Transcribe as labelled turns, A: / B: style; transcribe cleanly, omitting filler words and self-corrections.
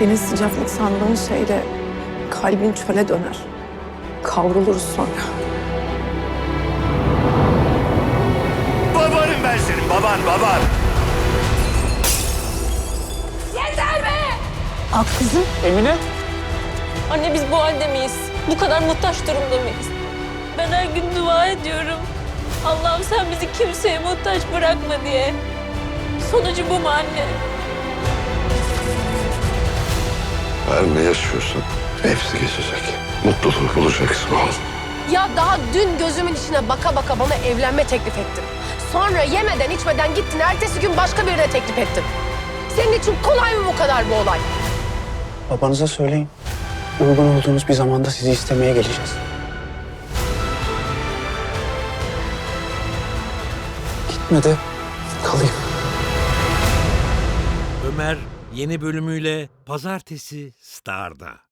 A: Senin sıcaklık sandığın şeyle kalbin çöle döner. Kavruluruz sonra.
B: Babanım ben senin, baban.
C: Yeter be!
A: Ak kızım.
D: Emine?
C: Anne biz bu halde miyiz? Bu kadar muhtaç durumda mıyız? Ben her gün dua ediyorum. Allah'ım sen bizi kimseye muhtaç bırakma diye. Sonucu bu mu anne?
E: Her ne yaşıyorsan hepsi geçecek. Mutluluğu bulacaksın oğlum.
F: Ya daha dün gözümün içine baka baka bana evlenme teklif ettin. Sonra yemeden içmeden gittin, ertesi gün başka birine teklif ettin. Senin için kolay mı bu kadar bu olay?
D: Babanıza söyleyin. Uygun olduğunuz bir zamanda sizi istemeye geleceğiz. Gitme de kalayım.
G: Ömer yeni bölümüyle Pazartesi Star'da.